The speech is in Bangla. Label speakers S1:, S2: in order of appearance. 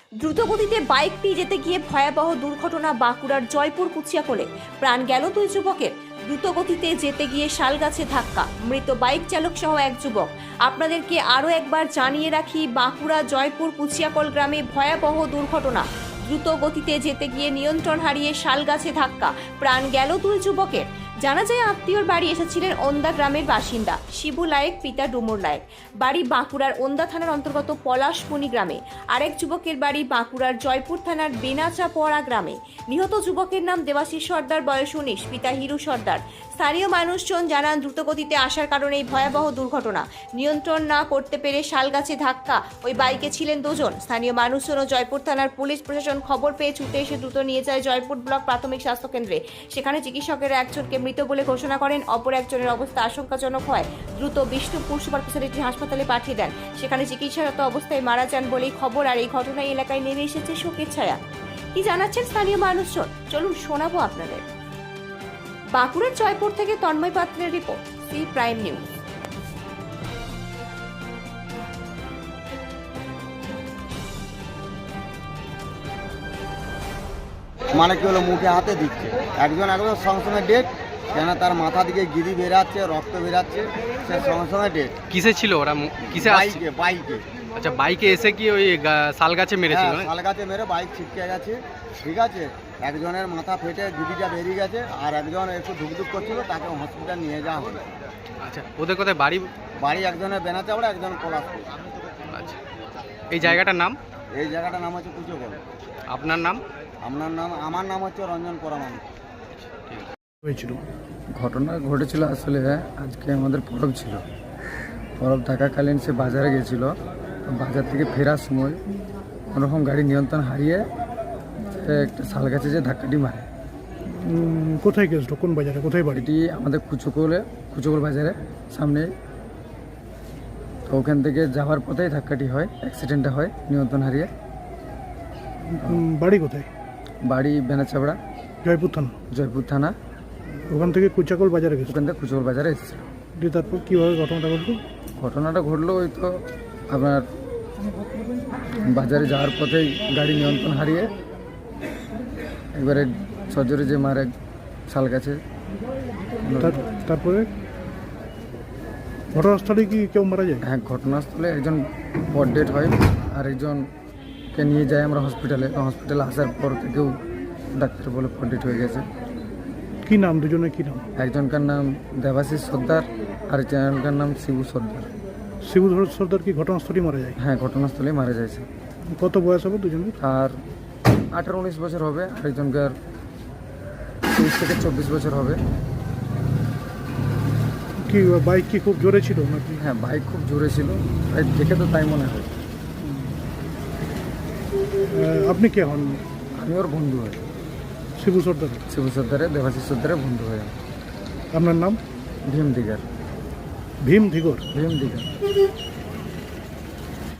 S1: দ্রুতগতিতে বাইকটি যেতে গিয়ে ভয়াবহ দুর্ঘটনা বাঁকুড়ার জয়পুর কুচিয়াকোলে। প্রাণ গেল দুই যুবকের। দ্রুতগতিতে যেতে গিয়ে শালগাছে ধাক্কা, মৃত বাইক চালক সহ এক যুবক। আপনাদেরকে আরও একবার জানিয়ে রাখি, বাঁকুড়া জয়পুর কুচিয়াকোল গ্রামে ভয়াবহ দুর্ঘটনা। দ্রুত গতিতে যেতে গিয়ে নিয়ন্ত্রণ হারিয়ে শালগাছে ধাক্কা, প্রাণ গেল দুই যুবকের। জানা যায়, আত্মীয়র বাড়ি এসেছিলেন ওন্দা গ্রামের বাসিন্দা শিবু লায়েক, পিতা ডুমুর লায়েক। বাড়ি বাঁকুড়ার ওন্দা থানার অন্তর্গত পলাশমণি গ্রামে। আরেক যুবকের বাড়ি বাঁকুড়ার জয়পুর থানার বেনাচাপড়া গ্রামে। নিহত যুবকের নাম দেবাশিস সর্দার, বয়স 19, পিতা হিরু সর্দার। স্থানীয় মানুষজন জানান, দ্রুতগতিতে আসার কারণে এই ভয়াবহ দুর্ঘটনা। নিয়ন্ত্রণ না করতে পেরে শালগাছে ধাক্কা। ওই বাইকে ছিলেন দুজন। স্থানীয় মানুষজন ও জয়পুর থানার পুলিশ প্রশাসন খবর পেয়ে ছুটে এসে দ্রুত নিয়ে যায় জয়পুর ব্লক প্রাথমিক স্বাস্থ্য কেন্দ্রে। সেখানে চিকিৎসকেরা একজনকে মৃত বলে ঘোষণা করেন, অপর একজনের অবস্থা আশঙ্কাজনক হয় দ্রুত বিষ্ণুপুর সুপার স্পেশালিটি হাসপাতালে পাঠিয়ে দেন। সেখানে চিকিৎসারত অবস্থায় মারা যান বলেই খবর। আর এই ঘটনায় এলাকায় নেমে এসেছে শোকের ছায়া। কি জানাচ্ছেন স্থানীয় মানুষজন, চলুন শোনাবো আপনাদের। বাঁকুড়ার জয়পুর থেকে তন্ময় পাত্রের রিপোর্ট, সি প্রাইম নিউজ।
S2: মানে কি হলো, মুখে হাতে দিচ্ছে একজন সঙ্গে সঙ্গে ডেট, কেন তার মাথা দিকে গিরি বেরাচ্ছে, রক্ত বেরাচ্ছে, সে সঙ্গে সঙ্গে ডেট।
S3: কিসে ছিল ওরা? কিসে?
S2: বাইকে।
S3: আচ্ছা, বাইকে এসে কি ওই শাল গাছে মেরেছিল?
S2: শাল গাছে মেরে বাইক ছিটকে গেছে, ঠিক আছে। একজনের মাথা ফেটে গিরিটা বেরিয়ে গেছে, আর একজন একটু ধুকধুক করছিল, তাকে হসপিটাল নিয়ে যাওয়া হলো।
S3: আচ্ছা, ওদের কোথায় বাড়ি?
S2: বাড়ি একজনের বেনাচাপড়া, একজন পলাশপুর।
S3: আচ্ছা, এই জায়গাটার নাম?
S2: এই জায়গাটার নাম হচ্ছে কুচিয়াকোল।
S3: আপনার নাম?
S2: আমার নাম হচ্ছে রঞ্জন পরামান।
S4: হয়েছিল ঘটনা ঘটেছিল আসলে আজকে আমাদের পরব ছিল। পরব থাকাকালীন সে বাজারে গেছিল। বাজার থেকে ফেরার সময় কোনোরকম গাড়ি নিয়ন্ত্রণ হারিয়ে সে একটা শাল গাছে যে ধাক্কাটি মারে।
S5: কোথায় গেছিল? কোন বাজারে? কোথায় বাড়ি?
S4: এটি আমাদের কুচকোল বাজারে সামনে। তো ওখান থেকে যাওয়ার পথেই ধাক্কাটি হয়, অ্যাক্সিডেন্টটা হয় নিয়ন্ত্রণ হারিয়ে।
S5: বাড়ি কোথায়?
S4: বাড়ি বেনাচাপড়া,
S5: জয়পুর থানা।
S4: থানা।
S5: ওখান থেকে কুচাকল বাজারে গেছিল।
S4: ওখান থেকে কুচকোল বাজারে এসেছিল।
S5: তারপর কীভাবে ঘটনাটা ঘটলো?
S4: ঘটনাটা ঘটলো ওই তো আপনার বাজারে যাওয়ার পথেই গাড়ি নিয়ন্ত্রণ হারিয়ে একবারে সজোরে যে মারে শাল গাছে।
S5: তারপরে ঘটনাস্থলে কি কেউ মারা যায়?
S4: হ্যাঁ, ঘটনাস্থলে একজন পর ডেট হয়, আর একজনকে নিয়ে যাই আমরা হসপিটালে। হসপিটালে আসার পর থেকেও ডাক্তার বলে পর ডেট হয়ে গেছে।
S5: কি নাম দুজনের? কি নাম?
S4: একজনকার নাম দেবাশিস সর্দার, আর একজনকার নাম শিবু সর্দার।
S5: শিবু সর্দার কি ঘটনাস্থলেই মারা যায়?
S4: হ্যাঁ, ঘটনাস্থলেই মারা যাচ্ছে।
S5: কত বয়স হবে দুজনের?
S4: আর 18-19 বছর হবে, আরেকজনকার 23 থেকে 24 বছর হবে।
S5: কি বাইক কি খুব জোরে ছিল নাকি?
S4: হ্যাঁ, বাইক খুব জোরে ছিল, বাইক দেখে তো তাই মনে হয়।
S5: আপনি কে হন?
S4: আমি ওর বন্ধু হই।
S5: শিবু সর্দার?
S4: শিবু সর্দারের, দেবাশিস সর্দারের বন্ধু হই।
S5: আপনার নাম?
S4: ভীম দিগার।
S5: ভীম দিগর।
S4: ভীম দিগার।